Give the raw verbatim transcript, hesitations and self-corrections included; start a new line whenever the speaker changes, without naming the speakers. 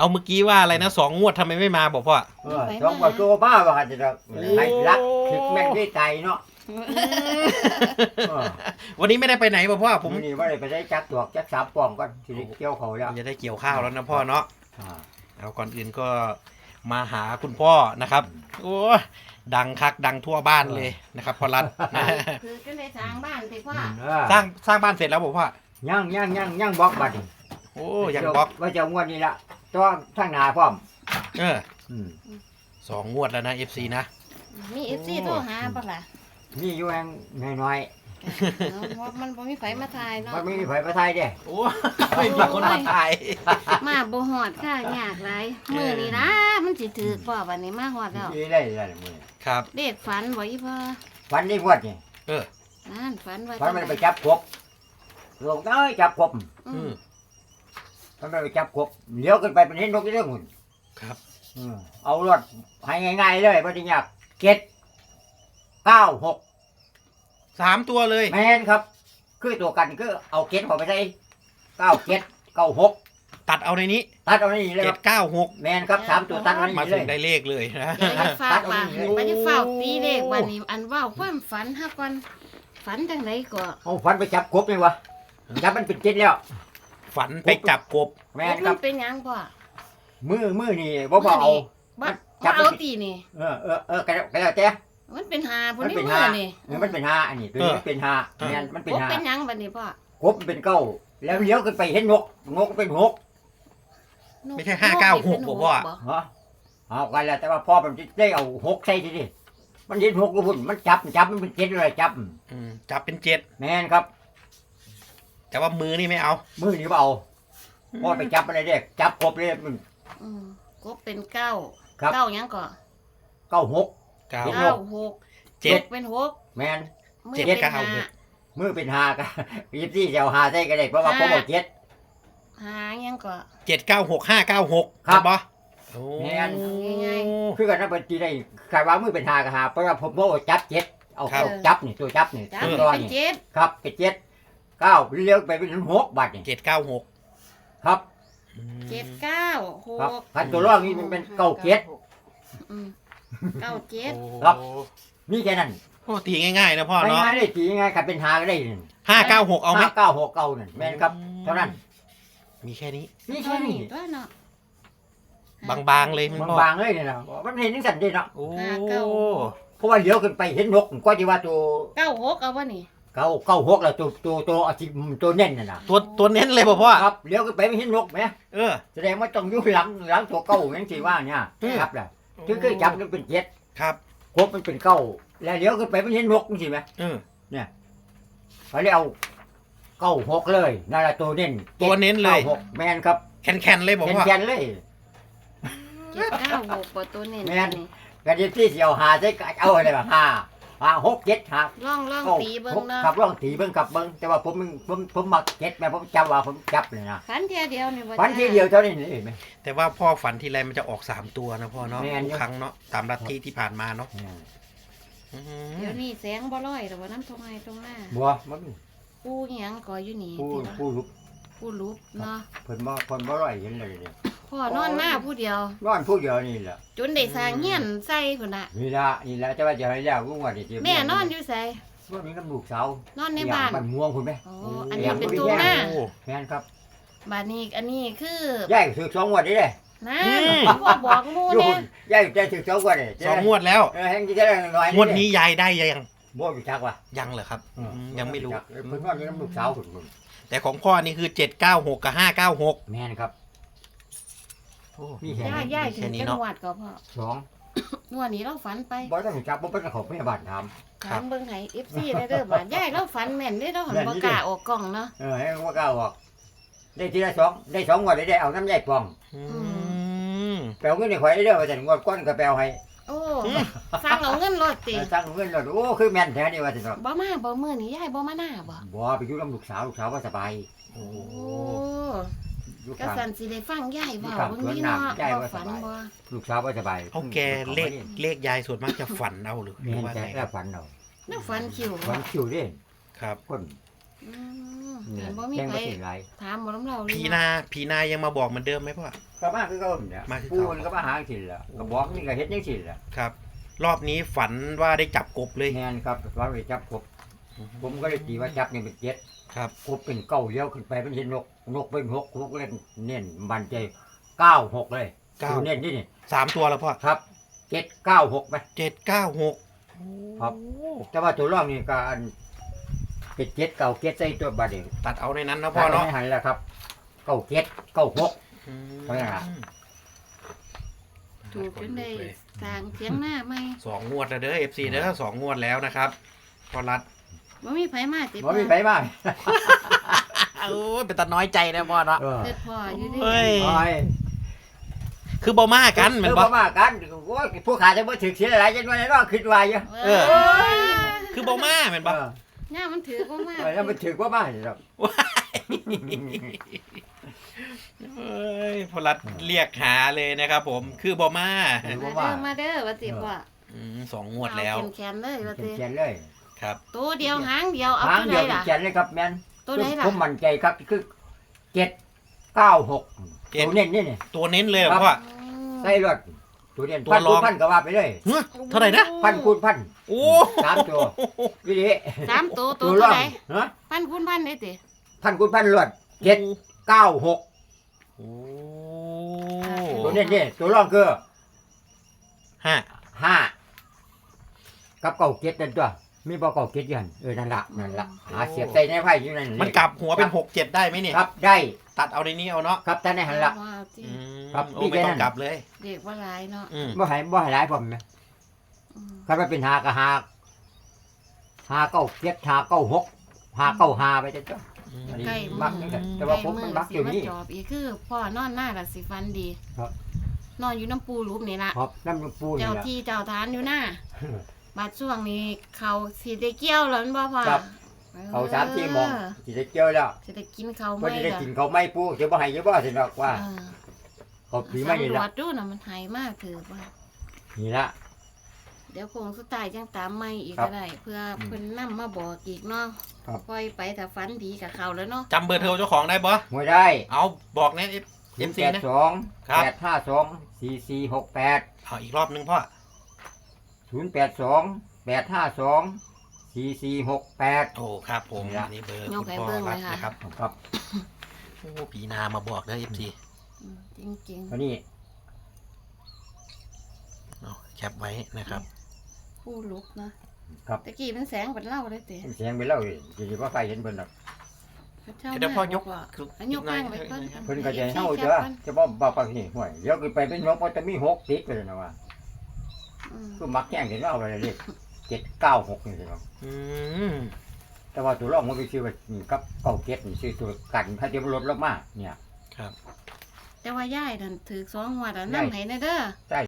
เอาเมื่อกี้ว่าอะไรนะสองงวดทำไมไม่มาบอกพ่อ
เออสองกว่าตัวบ้าว่าจะให้รักถึกแม่งได้ใจเนาะ
วันนี้ไม่ได้ไปไหนบอกพ่อผ
ผม มนี่ว่าได้ไปได้จักตัวจักสามปองก่อนสิได้เกี่ยวเขาแล้ว
จะได้เกี่ยวข้าวแล้วนะพ่อเนาะ
อ่า
เอาก่อนอื่นก็มาหาคุณพ่อนะครับโอ้ดังคักดังทั่วบ้านเลยนะครับพ่อรัฐ
คือก็เลยสร้างบ้านสิพ่อ
เออ
สร้างสร้างบ้านเสร็จแล้วบอกพ่อ
ยังยังยังยังบล็อกบัดนี้
โอ้ยังบล็อก
ว่าจะงวดนี้ละตัวทั้งหนาพร้อม
เออ
อืม
สองงวดแล้วนะเอฟซีนะ
มีเอฟซีโทรหาปะล่ะ
นี่อยู่แห่งน้อย
เนาะว่ามันบ่มีไฟมาถ่าย
ๆ
เนาะ
มันไม่มีไผประไทยเด้
โอ้ไม่มีคนมาถ่าย
มาบ่ฮอดค่ะยากหลายมื้อนี้นะมันสิถือพ่อบัดนี้มาฮอดแล้ว
ดีได้ได้มื้อ
ครับ
เด็กฝันบ่อีพ่อ
ฝันนี่งวดนี่
เออ
นั่นฝันว่า
ฝันมันไปจับกบลงเอ้ยจับกบ
อื
อื
ม
ม
มันไปจับกบเลี้ยวขึ้นไปเป็นเห็นนกที่เรื่องหุ่น
ครับ
อืมเอารถให้ง่ายๆเลยบ่ได้ยากเจ็ดเก้าหก
สามตัวเลย
แม่นครับ คือตัวกันคือเอาเจ็ดเข้าไปใส่เก้าเจ็ดเก้าหก
ตัดเอาในนี้
ตัดเอานี่เลย
เจ็
ค
ด
รับ
เก้าหก
แม่นครับสามตัวตัดเอา
มา
นี่เล
ถึง
ย
ได้เลขเลยนะ
เดี๋ยวจะฝากว่า
โอ้
ไปจะเฝ้าตีเลขบัดนี้อันเว้าความฝันฮะก่อนฝันจังไดก็
เอาฝันไปจับกบนี่วะจับมันเป็นเจ็ดแล้ว
ฝันไปจับกบ
แม่นค
มั
รับ
นเป็นหยังพ่อ
มือมือนี่บ่บ่เอา
บ่
จับ
เอาตีนี่
เออเออเออก็แล้วก็แล้วแต่
มันเป็นหาพุ่น
มัน
นี่
เป็น
มื้
ห้า
อนี่
เออมันเป็นห้าอันนี้ตัวนี้มันเป็นห้าแม่นมันเป็น
โอ้
ห้า
เป็นหยังบัดนี้พ่อก
บมันเป็นเก้าแล้วเลี้ยวขึ้นไปเห็นนกนกเป็นหก
ไม่ใช่ห้าเก้าหกบอกว่า
ฮะเอากันแล้วแต่ว่าพ่อมันได้เอาหกใส่ทีดิมันเห็นหกลูกพุ่นมันจับมันจับมันเป็นเจ็ดเลยจับ
อืมจับเป็นเจ็ด
แม่นครับ
แต่ว่ามือนี่ไม่เอา
มือนี่บ่เอาพ่อไปจับอะไรเด็กจับกบเลยมัน
อืมกบเป็นเก้า
ครับ
เก้าหยังก่อ
เก้าหก
เก้า
เจ็ด
เก้าหก
เจ็ด
กบเป็นหก
แม่น
มือ
เจ็ด
เป็น
เก้า
หา
หก
มือเป็นห้ากันยี่สิบจะเอาห้าใส่ก็ได้เพราะว่าผมเอาเจ็ด
หาหยังก่อ
เจ็ดเก้าหกห้าเก้าหก
ครับ
บอโอ้
แม่น
ง่าย
คือกันนะเป็นทีได้ใครว่ามือเป็นห้าก็ห้าเพราะว่าผมเอาจับเจ็ดเอาเอาจับนี่ตัวจับนี่
จับ
ตัว
เป็น
นี่
เจ็ด
ครับเป็นเจ็ดเก้าเลี้ยวไปเป็นหกบาทนี่
เจ็ดเก้าหก
ครับ
เจ็ดเก้าห
ครับ
ก
พันตัวรองนี่มันเป็นเก้าเจ็ด
อืมเก้าเจ็ด
ครับ นี่แค่นั้น
โอ้ตีง่ายๆนะพ่อ
ไม่
เนาะ
ง่ายได้ทีง่ายครับเป็นหาก็ได้
ห้าเก้าหกเอาไหม
เก้าหกเก้านั่นแม่นครับเท่านั้น
มีแค่นี้
นี่แค่นี้
ตัวเนาะ
บางๆเลยมันพ่อบ
างๆเลยเนี่ยนะมันเห็นทั้งสันเดีเนาะ
โอ้
ห้าเก้า
เพราะว่าเลี้ยวขึ้นไปเห็นนกก็จะว่าตัว
เก้าหกเอาวะนี่
เก้าเก้าหกแล้วตัวตัวตัวอาทิตัวเน่นน่ะนะ
ตัวตัวเน้นเลยป่ะพ่อ
ครับเลี้ยวขึ้นไปไม่เห็นนกไหม
เออ
แสดงว่าต้องอยู่หลังหลังตัวเก้าอย่างที่ว่าเนี่ย
อืม
ครับแหละคือคือจับมันเป็นเจ็ด
ครับ
ครบมันเป็นเก้าแล้วเลี้ยวขึ้นไปไม่เห็นนกใช่ไหม
เออ
เขาเรียกเอาเก้าหกเลยนั่นแหละตัวเน้น
ตัวเน้นเลย
ก้าหกแมนครับ
แคนๆเลยบอก
แขน
ว่า
แขนเลย
เจ็ดเก้าหกกว่าตัวนี่
แม่น กระดิ่งที่เสียวหาใช้เอาอะไรแบบห้าห้าหกเจ็ดห้า
ล่องล่อง
เก้า
ตีเบิ้ง
หก
เนาะ
ครับร่องตีเบิ้งกับเบิ้งแต่ว่าผมผมผมมักเจ็ดแม่ผมจำว่าผมจับเลยนะ
ฝันเทียเดียวนี่บ่
ฟันทีเดียวเท่านี้เห็นไหม
แต่ว่าพ่อฝันทีไรมันจะออกสามตัวนะพ่อเนาะ
แม่น
ทุกครั้งเนาะตามลัทธิที่ผ่านมาเนาะอืม
เดี๋ยวนี้แสงบ่ร้อยแต่ว่าน้ำตรงไหนตรงหน้า
บัวมัน
ปูหยังก่ออยู่นี่
ผู้
ที่ว่า
ผู้ลุก
ปูลุบเนาะ
เพิ่นบ่เพิ่นบ่ร่อยเห็นเลยเด้
พ่อนอนหน้าผู้เดียวน
อนผู้เดียวนี่แหละ
จนได้สร้างเฮียนใส่พุ่นน่ะ
นี่ละนี่ละแต่ว่าจะให้แล้วกูว่าดิ
แม่นอนอยู่ไส
ว่ามีน้ำลูกสาวน
อนในบ้าน
มันม่วงคุณไหม
อ๋ออันนี้เป็นตัวหน้า
โอ้
แม่นครับ
บ้านนี้อันนี้คือย
ายถือสองงวดนี่เด้
นะพ่อบอกหมู่
อยู่
แน่
ยายจะถือสองงวดนี่
สองงวดแล้ว
เออแห่งที่จะได้น้อย
งวดนี้ยายได้ยัง
บ่รู้จักว่ะ
ยังเหรอครับอืมยังไม่รู้
เพิ่นว่ามีน้ำลูกสาวคุณมึง
แต่ของพ่อนี่คือเจ็ดเก้าหกกับห้าเก้าหก
แม่นครับ มีแค่
ย่า
นี้
ย่ายถึ
แค่
ง
นี้
จั
เนาะ
งหวัดก็พ่อ
สอง
นวดนี้เราฝันไป
บ่ต้องจับบ่เป็นของพยาบาลถาม
ครั
ถา
บ
มเบิ่งให้ เอฟ ซี ได้เด้อบาดย่ายเราฝันแม่นเด้เราหัน
แม่น
บ่
อยู่
กล้า
ดิ
ออกกล้องเนาะ
เออให้ว่าก้าวออกได้ทีละสองได้สองงวดได้ได้เอาน้ำยายปอง
อืม
แปลเงินให้ข่อยได้เด้อว่าจังงวดก้อนก็แปลให้
โอ้สั่งเอาเงินรถติ
สั่งเงินแล้วโอ้คือแม่นแท้นี่ว่าจัง
บ่มาบ่มื้อนี้ย่ายบ่มาหน้าบ่
บ่ไปอยู่กับลูกสาวลูกสาวว่าสบาย
โอ้
โอ้
ลูก
ก็
สาว
สั่นสิได้ฟังย่ายเว้า
ครับ
เบิ่งนี่เนาะ
ย่าย
บ่
ว่าส
ฝัน
บาย
บ่
ลูกสาวว่าสบาย
เอาแกเลขเลขยายส่วนมากจะฝันเอาหรือห
แม่
รือน ว่า
แต่
ไง
แล้วฝันเอา
แล้วฝันคิว
ฝันคิวเด้
ครับ
คน
อืม
เนี่ย
เห็นบ่มี
แจ้ง
ใคร
บ่ถึงไร
ถามบ่น้ำเราเลย
พีนาพีนายังมาบอกเหมือนเดิมไหมพ่อ
ก็มาคือเก่าเนี่ย
มาคือ
ปู
เก่า
มันก็มาหาสิล่ะก็บอกนี่ก็เฮ็ดจังซี่ล่ะ
ครับ รอบนี้ฝันว่าได้จับกบเลย
แม่นครับว่าไปจับกบผมก็เลยตีว่าจับนี่เป็นเจ็ด
ครับ
กบเป็นเก้าเลี้ยวขึ้นไปมันเห็นนกนกเป็นหกนกเล่นเน้นมันใจเก้าหกเลย
เก้า
ตัวเน้นนี่นี่
สามตัวแล้วพ่อ
ครับเจ็ดเก้าหกไป
เจ็ดเก้าหก
ครับ แต่ว่าตัวร่องนี่ก็อันเป็นเจ็ดเก้าเจ็ดใส่ตัวบาดเอง
ตัดเอาในนั้นนะพ่อเนาะ
ไม่หันแล้วครับเก้าเจ็ดเก้าหก
อืม
เท่านั้นล่ะ
ถูกจนได้สร้างเสียงหน้าไหม
สองงวดแล้วเด้อเอฟซีเด้อสองงวดแล้วนะครับพ่อรัด
บ่มีไผมาติ
บ่มีไฟบ้าง
โอ้ยเป็นตาน้อยใจนะพ่อเนาะ
เออ
เกิดพ่ออยู่ดิ
เฮ้ย
โอ้ย
คือบอมากันเหมือน
เออ
บ่
บ่มากันโอ้ยผู้ขาจะบ่ถึกเสียหลายจังว่าเนาะคิดว่าอยู่
เออ คือบอมาเหมือนบ่
เออ
หน้ามันถือบ่มา
เออแล้วมันถึกบ่มาดอก
เอ้ยพอรัดเรียกหาเลยนะครับ ผม คือบอมา
ถือ
มา
บ่
เด้
มา
อมาเด้อว่าติพ่อ
อืมสองงวดแล้ว
เอาแขนๆเลยว่าติ
เขียนเลย
ครับ
ตัวเดียวหางเดียวเอา
หาง
ตัว
เดี
ใด
ยว
ล่ะ
เขียนเลยครับแม่น
ตัวใดล่ะ
ผมมั่นใจครับคือเจ็ดเก้าหก
เจ็ด
ตัวเน้นนี่นี่
ตัวเน้นเลยเหรอ
ครับ
พ่อ
อืม
ใส่รถตัวเน้น
ตัว
พัน
ร
คู
อ
ณ
ง
พันก็ว่าไปเลย
เฮ้ยเท่าไหร่นะ
พันคูณพัน
โอ้
สามตัววิธี
สามตัวตั
ตัว ว
ตัว
ร่อง
ใด
ฮะ
พันคูณพันได้ติ
พันคูณพันรวดเจ็ดเก้าหก
โอ้
ตัวเน้นนี่ตัวร่องคือ
ห้า
ห้ากับเก้าเจ็ดนั่นตัวมีบ่เก้าเจ็ดอยันเออนั่นละนั่นละหาเสียบใส่ในไพ่อยู่นั่น
มันกลับหัวเป็นหกเจ็ดได้ไหมเนี่ย
ครับได้
ตัดเอาในนี้เอาเนาะ
ครับแต่ในหันละ
ว้าวจริง
อืม
ครับ
โอ้
พี่
ไม่
แก
ต้อ
นั่
ง
น
กลับเลย
เด็กว่าหลายเนาะ
อืม
บ่ให้บ่ให้หลายผมนะ
อืม
คันว่าเป็นหาก็หาหาเก้าเจ็ดหาเก้าหกหาเก้าหาไปจ้ะจ้ะ
อืม
อันนี้
ใกล้
มั
มื
ก
อ
นี่แหละแต่ว่าผมมันมักอยู่นี่
ใกล้มืสิมาจอบอีกคือพ่อนอนหน้าละสิฟันดี
ครับ
นอนอยู่น้ำปูรูปนี่ละ
ครับน้ำหลวงปูนี่
เจ้า
ละ
ที่เจ้าทานอยู่หน้าบาดช่วงนี้เขาสิได้เกี่ยวแล้วแมันบ่พ่อ
ครับ เขาสามที่มองสิได้เจอแล้ว
สิได้กินเขาว
เพิ่น
ไม่
สิได้
ล่ะ
กินเขาวไม่ปูจะบ่ให้จะบ่สิดอกว่า
เออ
เขาปีไม่นี่
สำรว
ละ
จดูน่ะมันหายมากถือว่า
นี่ละ
เดี๋ยวคงสุดท้ายจังตามไม่อีก
ครับ
ก็ได้เพื่ออ
ม
เพิ่นนํมาบอกอีกเนาะ
ครับ
ปล่อยไปแต่ฝันดีกับเขาแล้วเนาะ
จำเบอร์โทรเจ้าของได้ปะ
หวยได้
เอาบอกในเอ
ศู
ฟ
นย์
ซี
แปด
นะ
สอง
ครับ
แปดห้าสองสี่สี่หกแปด
เอาอีกรอบนึงพ่อ
ศูนย์แปดสองแปดห้าสองสี่สี่หกแปด
โอ้ครับผม
นี่ละ
นี่เบอร์
ย
คุ
ก
ณ
ให้
พ่อ
เบิ่ง
รั
เล
ด
ยค่ะ
นะครับ
ครับ
โอ้ปีนามาบอกนะเอฟซี
อืมจริง
ตอนนี้
เอาแคปไว้นะครับ
ๆผู้ลุกเนาะตะกี้มันแสงบัดเล่าเลยเตะ
เสียงไปเล่าเลยจะว่าใครเห็นเพิ่นดอก
เดี๋ยวพ่อยก
คืออันยกข้างไว้ก่อน
เพิ่นก็จะให้เฮาเด้อจะบ่บ่ปากนี่ห่วยเดี๋ยวขึ้นไปเป็นนกมันจะมีหกติดไปเลยนะว่า
อืม
คือมักแย่งเห็นว่าเอาอะไรเลขเจ็ดเก้าหกนี่สิครับ
อืม
แต่ว่าตัวรองมันไปซื้อไว้นี่กับเก้าเจ็ดนี่ซื้อตัวกันถ้าเดี๋ยวมันลดลงมาเนี่ย
ครับ
แต่ว่าย่ายนั่นถือสองหัวแล้ว
ย้าย
นำให้แน่เด้อ